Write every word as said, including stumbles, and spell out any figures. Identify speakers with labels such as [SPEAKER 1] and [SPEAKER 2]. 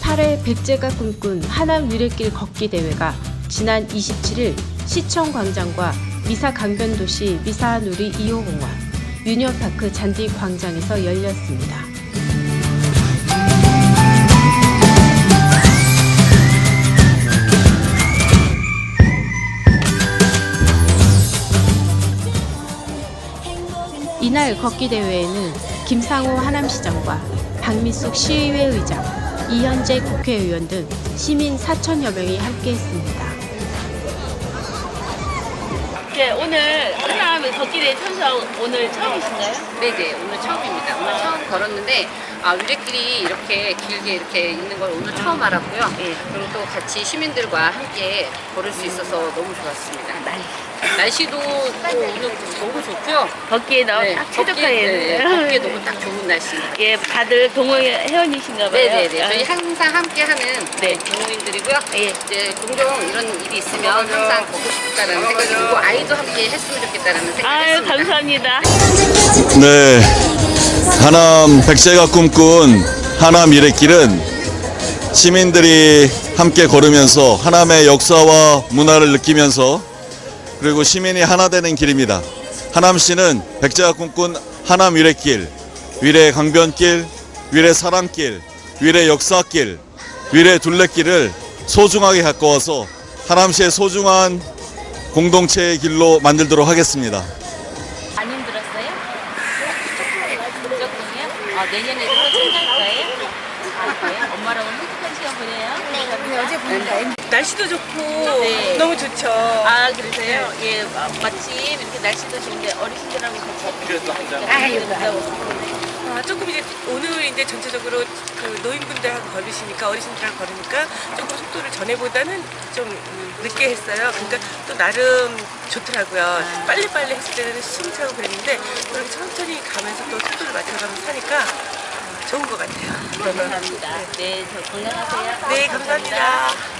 [SPEAKER 1] 제십팔 회 백제가 꿈꾼 하남 위례길 걷기 대회가 지난 이십칠 일 시청광장과 미사강변도시 미사누리 이 호 공원, 유니언파크 잔디 광장에서 열렸습니다. 이날 걷기 대회에는 김상호 하남시장과 박미숙 시의회 의장, 이현재 국회의원 등 시민 사천여 명이 함께했습니다.
[SPEAKER 2] 네, 오늘 하남 걷기 대회 참석 오늘 처음이신가요?
[SPEAKER 3] 네네, 오늘 처음입니다. 오늘 처음 걸었는데 아, 위례길이 이렇게 길게 이렇게 있는 걸 오늘 처음 알았고요.
[SPEAKER 2] 예.
[SPEAKER 3] 그리고 또 같이 시민들과 함께 걸을 수 있어서 너무 좋았습니다.
[SPEAKER 2] 날
[SPEAKER 3] 날씨도 또 오늘 너무 좋고요.
[SPEAKER 2] 걷기에 너무
[SPEAKER 3] 네,
[SPEAKER 2] 딱
[SPEAKER 3] 걷기,
[SPEAKER 2] 최적화예요.
[SPEAKER 3] 네, 걷기에 너무 딱 좋은 날씨입니다.
[SPEAKER 2] 예, 다들 동호회 회원이신가 봐요.
[SPEAKER 3] 네네네. 저희 항상 함께하는
[SPEAKER 2] 네.
[SPEAKER 3] 동호인들이고요.
[SPEAKER 2] 예.
[SPEAKER 3] 이제 종종 이런 일이 있으면 항상 걷고 싶다라는 생각이 들고 아이도 함께 했으면 좋겠다라는 생각이
[SPEAKER 2] 아유,
[SPEAKER 3] 했습니다.
[SPEAKER 2] 감사합니다.
[SPEAKER 4] 네, 하남 백제가 꿈꾼 하남 위례길은 시민들이 함께 걸으면서 하남의 역사와 문화를 느끼면서 그리고 시민이 하나 되는 길입니다. 하남시는 백제가 꿈꾼 하남 위례길, 위례 강변길, 위례 사랑길, 위례 역사길, 위례 둘레길을 소중하게 가꿔와서 하남시의 소중한 공동체의 길로 만들도록 하겠습니다.
[SPEAKER 2] 안 힘들었어요? 조금이요? 아, 내년에도 또 참가할 거예요? 할 거예요? 엄마랑 행복한 시간 보내요?
[SPEAKER 5] 네, 어제 보니까 날씨도 좋고
[SPEAKER 2] 네.
[SPEAKER 5] 너무 좋죠.
[SPEAKER 2] 아, 그러세요? 예, 마- 마침 이렇게 날씨도 좋은데 어르신들하고 같이 그래도 한잔.
[SPEAKER 5] 아, 조금 이제 오늘 이제 전체적으로 그 노인분들하고 걸으시니까 어르신들하고 걸으니까 조금 속도를 전에보다는 좀 음, 늦게 했어요. 그러니까 또 나름 좋더라고요. 빨리빨리 했을 때는 숨차고 그랬는데 그렇게 천천히 가면서 또 속도를 맞춰가면서 타니까 어, 좋은 것 같아요.
[SPEAKER 2] 감사합니다. 네, 저 건강하세요.
[SPEAKER 5] 네, 감사합니다.